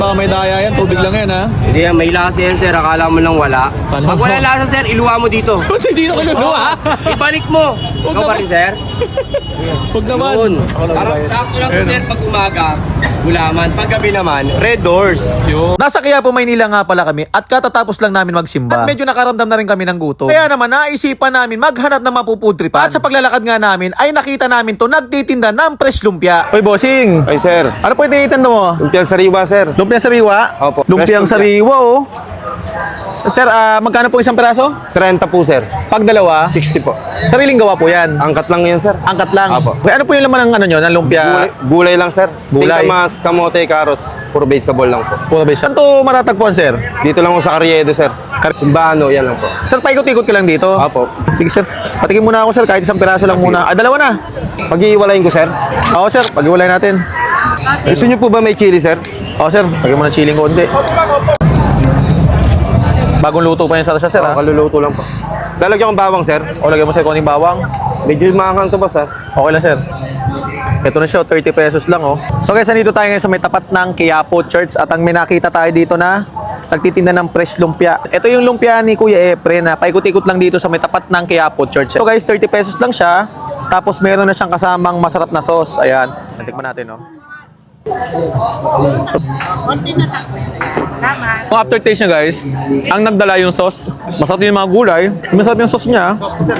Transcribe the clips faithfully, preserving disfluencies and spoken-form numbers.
baka may daya yan, tubig lang yan ha. Hindi yan, may lasa yan sir, akala mo lang wala. Paano? Pag wala lasa sir, iluwa mo dito. Kasi hindi na kaluluwa ha. Ibalik mo. Huwag Ikaw pa naman. rin sir. Huwag naman. Yun. Parang sakto lang sir pag umaga, gulaman. Pag gabi naman, red doors. Yun. Nasa Quiapo, Maynila nga pala kami at katatapos lang namin magsimba. At medyo nakaramdam na rin kami ng gutom. Kaya naman naisipan namin maghanap ng mapupudripan. At sa paglalakad nga namin ay nakita namin to nagtitinda ng fresh lumpia. Hoy bossing, Ay, sir. ano po yung tinitinda mo? Lumpiang sariwa, sir. Lumpiang sariwa? Opo. Lumpiang Fresh lumpia. sariwa oh. Sir, ah, magkano po isang peraso? thirty po, sir. Pag dalawa, sixty po. sariling gawa po yan. Angkat lang yan, sir. Angkat lang. Apo. Okay, ano po yung laman ng ano nyo, ng lumpia? Gulay, gulay lang, sir. Gulay. Singkamas, kamote, carrots. Puro vegetable lang po. Puro base. Saan to matatagpuan, sir? Dito lang po sa Carriedo, sir. Simbano, yan lang po. Sir, paikot-ikot ka lang dito. Apo. Sige, sir. Patikin muna ako, sir. Kahit isang peraso lang muna. Ah, dalawa na. Pag-iiwalayin ko, sir. Oo, sir. Pag-iwalay natin. Gusto niyo po ba may chili, sir? Oo, sir. Pagin mo ng chilling konti. Bagong luto pa yan sa sir, ha? O, kaluluto lang po. Lalagyan kong bawang, sir. O, lagyan mo sir kung bawang. Medyo maanghang to ba, sir? Okay lang, sir. Ito na siya, thirty pesos lang, oh. So guys, nandito tayo ngayon sa may tapat ng Quiapo Church at ang may nakita tayo dito na nagtitinda ng fresh lumpia. Ito yung lumpia ni Kuya Efren na paikot-ikot lang dito sa may tapat ng Quiapo Church. So guys, thirty pesos lang siya. Tapos meron na siyang kasamang masarap na sauce. Ayan. Tikman natin, oh. Ang aftertaste niya guys, ang nagdala yung sauce. Masarap yung mga gulay. Masarap yung sauce niya.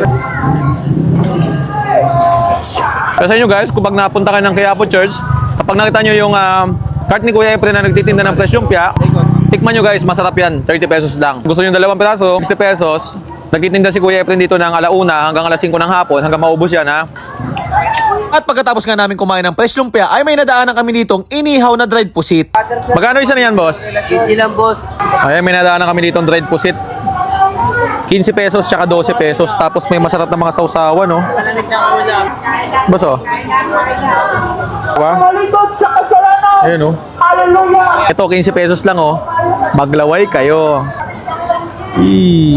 Kaya sa inyo guys, kung pag napunta kayo ng Quiapo Church, kapag nakita nyo yung uh, cart ni Kuya Efren na nagtitinda ng fresh lumpia, tikman nyo guys, masarap yan. thirty pesos lang. Gusto nyo dalawang piraso, sixty pesos. Nagtitinda si Kuya Efren dito ng alauna hanggang alas singko ng hapon, hanggang maubos yan ha. At pagkatapos nga namin kumain ng fresh lumpia ay may nadaanan kami ditong inihaw na dried pusit. Magkano isa na yan, boss? Easy lang boss. Ayan, may nadaanan kami ditong dried pusit. quince pesos tsaka twelve pesos. Tapos may masarap na mga sausawan, no? Boss, oh. Diba? Ayan, oh. Ito, quince pesos lang, oh. Maglaway kayo. Eee.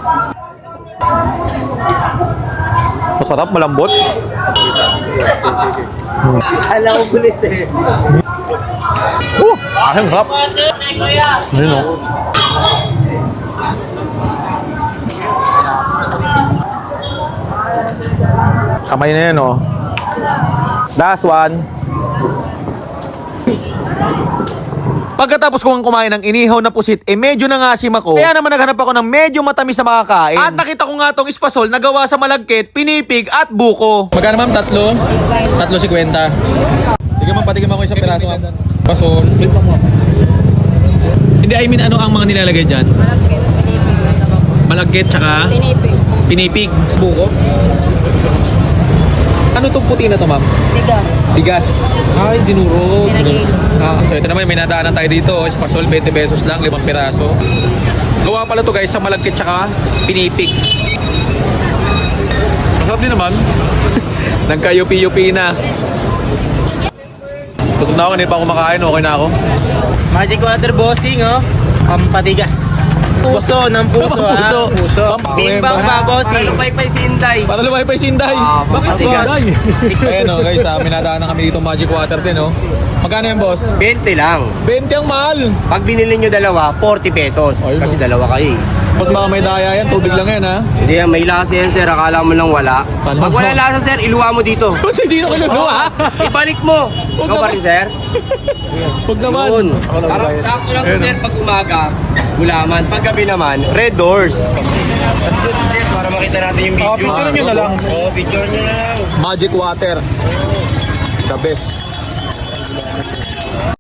Masarap, malambot. Alam ko bulit eh. Uh, ayun, harap. Ayun, oh. Kamay na yan, oh. Last one. Pagkatapos kong kumain ng inihaw na pusit, eh medyo nangasim ako. Kaya naman naghanap ako ng medyo matamis na makakain. At nakita ko nga tong espasol na gawa sa malagkit, pinipig at buko. Magkano ma'am? Tatlo? Tatlo si kwenta. Sige ma'am, patikim ako isang piraso ma'am. Pasol. Hindi, I mean ano ang mga nilalagay dyan? Malagkit, pinipig. Malagkit tsaka Pinipig. pinipig. Buko. Ano itong puti na to ma'am? Bigas. Bigas. Ay, dinuro. Pinagilo. Ah, so ito naman, may nadaanan tayo dito. Espasol, twenty pesos lang, limang piraso. Gawa pala to guys sa malagkit tsaka pinipig. Masarap din naman. Nagka-yupi-yupi na. Gusto na ako, hindi pa ako makain, okay na ako. Magic water bossing oh. Pampatigas. Puso ng puso ha. Puso. Puso. Pam- Bimbang pa bossing. Para lumay pa si Inday. Para lumay pa yung sinday. Bakit matigas. sinday? Ayan o guys, ah, may nadaanan kami dito magic water din oh. Magkano yan boss? twenty lang. twenty ang mahal. Pag binili nyo dalawa, forty pesos. Ayun, Kasi oh. dalawa kayo eh. Boss baka may daya yan, tubig lang yan ha. Hindi yan, may lasa yan sir. Akala mo lang wala. Paano? Pag wala lasa sir, iluwa mo dito. Boss hindi na kaluluwa ha. Ibalik mo. Huwag Ikaw pa naman. rin sir. Huwag naman. Yun. Parang sakto lang sir pag umaga, gulaman. Pag gabi naman, red doors. Para makita natin yung video. Oh, picture nyo na lang. Oo, picture nyo na lang. Magic water. The best.